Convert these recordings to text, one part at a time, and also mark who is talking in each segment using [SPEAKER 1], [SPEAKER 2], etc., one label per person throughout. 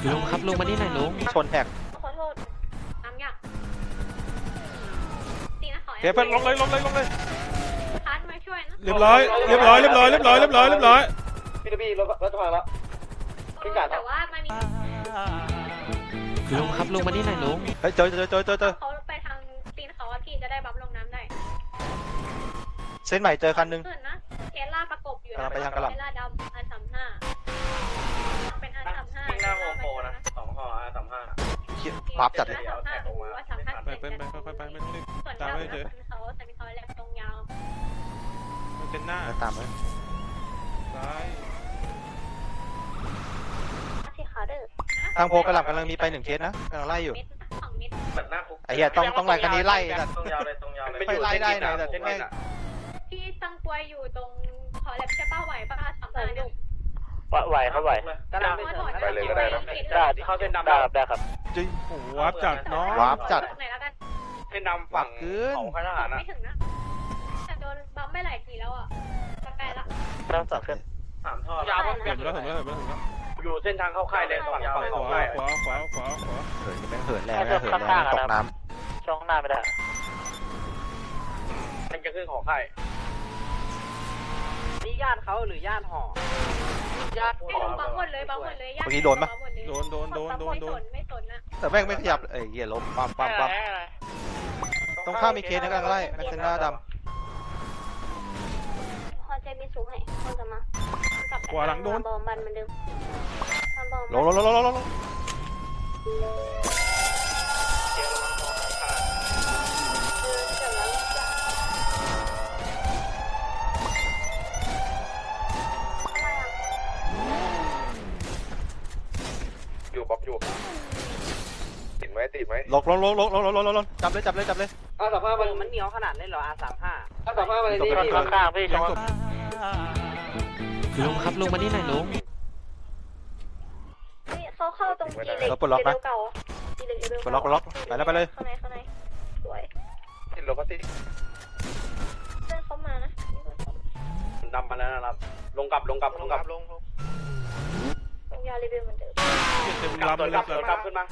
[SPEAKER 1] ลุงครับลุงมานี่หน่อยลุง
[SPEAKER 2] ชนแท็ก
[SPEAKER 3] ขอโทษน้ำอยากตีนะขอ
[SPEAKER 4] เพื่อนลงเลย
[SPEAKER 3] พัดมาช่วยนะ
[SPEAKER 4] เรียบร้อยพี่รถจะพังแล้ว
[SPEAKER 3] แต่ว่ามันมี
[SPEAKER 1] ลุงครับลุงมานี่หน่อยลุง
[SPEAKER 2] เฮ้ยเจอ
[SPEAKER 3] เขาไปทางตีนเขาพี่จะได้บัฟลงน้ำได้
[SPEAKER 2] เส้นใหม่เจอคันนึง
[SPEAKER 3] ขึ้นนะเทสลาประกบอยู่นะ
[SPEAKER 2] ไปทางกระหล่ำ
[SPEAKER 3] เทสลาดำR35เป็นR35
[SPEAKER 5] วิ่งหน้าโฮมโปรนะ2 ห่อ35
[SPEAKER 2] วาร์ปจัดเลย
[SPEAKER 4] ไปไม่ต้องรีบ
[SPEAKER 3] ส่วน
[SPEAKER 4] ตาม
[SPEAKER 3] ดำ
[SPEAKER 4] ไม่เจอ
[SPEAKER 3] เขาแต่มีเขาแหลมตรงยาว
[SPEAKER 4] มันเป็นหน้า
[SPEAKER 2] ตามไหม
[SPEAKER 4] ซ้าย
[SPEAKER 3] ที่ขาเด้อ
[SPEAKER 2] ทางโพกระหล่ำกำลังมีไป1 เคสนะกำลังไล่อยู่
[SPEAKER 3] เม็ด2 เม็ด
[SPEAKER 5] เหมือนหน้าคุก
[SPEAKER 2] ไอ้เหี้ยต้องไล่คันนี้ไล่แต่
[SPEAKER 5] ตรงยาวเลย
[SPEAKER 2] ไม่ไล่ได้หน่อยแต่แม่ง
[SPEAKER 3] พี่ตั้งกลวยอยู่ตรงเขาแหลมใช่ป้าไหวป้า35เนี่ย
[SPEAKER 6] ไหวครับไหว
[SPEAKER 3] ก็ได้ไปเลยก็ได้นะ
[SPEAKER 6] ได้เข้าเส้นดำได้ครับ
[SPEAKER 4] จริงโอ้วาร์ปจัดน้อง
[SPEAKER 2] วาร์ปจัด
[SPEAKER 3] ไหนแล้วกัน
[SPEAKER 5] เส้นดำฝั่งของค่ายทหารนะ
[SPEAKER 3] ไม่ถึงนะแต่โดนบัมไม่หลายทีแล้วอ่ะจะใกล้ละ
[SPEAKER 6] เริ่มจากขึ้น
[SPEAKER 5] 3 ท่อยาว
[SPEAKER 4] เห็นแล้ว
[SPEAKER 5] อยู่เส้นทางเข้าค่ายเลยฝั่งยาวเลย
[SPEAKER 4] ข
[SPEAKER 5] เข้า
[SPEAKER 4] วา
[SPEAKER 5] ค่าย
[SPEAKER 4] ขวา
[SPEAKER 2] เหินแม่งเหินแรงตกน้
[SPEAKER 6] ช่องหน้าไม่ได้
[SPEAKER 5] มันจะขึ้นของค่าย
[SPEAKER 6] นี่ญาติเขาหรือญาติห่อญาติ
[SPEAKER 3] ไม่รู้บัมหมดเลยบัมหมดเลย
[SPEAKER 2] เมื่อกี้โดนปะ
[SPEAKER 4] โดน
[SPEAKER 3] ไม่สนนะ
[SPEAKER 2] แต่แม่งไม่ขยับเอ้ยเหี้ยล้มปั๊มตรงข้ามมีเคสนะกำลังไล่แม็กซ์หน้าด
[SPEAKER 3] พอใจมีสูงให้คนจะมา
[SPEAKER 4] ขวาหลังโดน
[SPEAKER 3] บอมบันเหมือนเดิมบอม
[SPEAKER 2] ำลง
[SPEAKER 5] อยู่ป๊อปอยู่ติดไหม
[SPEAKER 2] ลงจับเลย
[SPEAKER 6] R35มันเหนียวขนาดเล่นเหรอ R35
[SPEAKER 5] R35 มาเลย
[SPEAKER 2] จบ
[SPEAKER 5] นี่
[SPEAKER 2] ไป
[SPEAKER 6] ข้างๆพี่ช่อง
[SPEAKER 1] ลุงครับลุงมานี่หน่อยลุง
[SPEAKER 3] เขาเข้าตรงจีเล็กเก่าจีเล็ก
[SPEAKER 2] ปลดล็อกไปเลย
[SPEAKER 3] ข้างในสวย
[SPEAKER 5] ติดรถก็ติด
[SPEAKER 3] เพื่อนเขามานะ
[SPEAKER 5] ดำมาแล้วนะครับลงกลับ
[SPEAKER 3] ตรงยารีวิวเหมือนเดิม
[SPEAKER 4] เต็ม
[SPEAKER 5] กลับ
[SPEAKER 4] ลำเลย
[SPEAKER 5] กลับขึ้นมา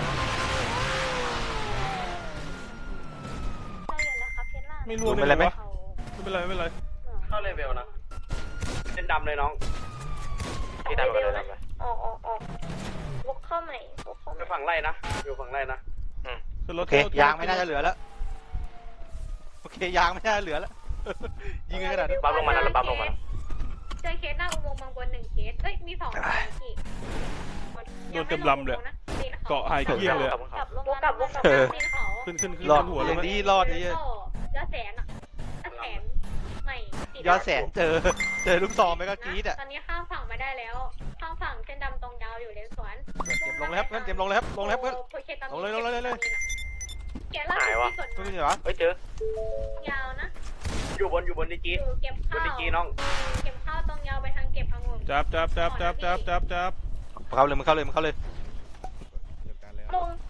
[SPEAKER 3] ได้อยู่นะครับเทสลา
[SPEAKER 4] ไม่รู้เลยไม่เป็นไร
[SPEAKER 5] เข้าเลเวลนะเส้นดำเลยน้อง
[SPEAKER 6] พี่ดำมาเลยดำเลย
[SPEAKER 3] ออกวกเข้าใหม่วกเข้าให
[SPEAKER 5] ไป
[SPEAKER 3] ม่
[SPEAKER 5] ฝั่งไร่นะอยู่ฝั่งไร่นะ
[SPEAKER 2] โอเคยางไม่น่าจะเหลือแล้วยิงกันขนาดนี้
[SPEAKER 6] ปั๊มลงมาแล้วปั๊มลงมา
[SPEAKER 3] เจอเคสหน้าอุโมงค์บางบน1 เคสมี2 ที่
[SPEAKER 4] โดนเต็มลำเลยเกาะหายเกี้ยเลย
[SPEAKER 3] กลับลงกลับตีนเขา
[SPEAKER 4] ขึ้น
[SPEAKER 2] รอด
[SPEAKER 4] หัวเล
[SPEAKER 2] ยั
[SPEAKER 4] ย
[SPEAKER 2] งดีรอดนี่
[SPEAKER 3] ยอดแสนใหม่
[SPEAKER 2] ยอดแสนเจอลูกซองไปก็กรี๊ดอ่ะ
[SPEAKER 3] ตอนนี้ข้ามฝั่งมาได้แล้วข้ามฝั่งเส้นดำตรงยาวอยู่เลนสวน
[SPEAKER 2] เตรียมลงแล้วเพื่อนเตรียมลงแล้วเพื่อน ลงเลย
[SPEAKER 3] แกล่าสุดที่สวน
[SPEAKER 2] ไม่ใช่เหรอ
[SPEAKER 6] เฮ้ยเจอย
[SPEAKER 3] าวนะ
[SPEAKER 5] อยู่บนดีจี
[SPEAKER 3] อยู่เก็บบ
[SPEAKER 5] น
[SPEAKER 3] ข้า
[SPEAKER 5] ดี
[SPEAKER 3] ว
[SPEAKER 5] จีน้อง
[SPEAKER 3] เก็บข้าวตรงยาวไปทางเก็บองุ่น
[SPEAKER 4] จับ
[SPEAKER 2] เข้าเลย
[SPEAKER 3] ลง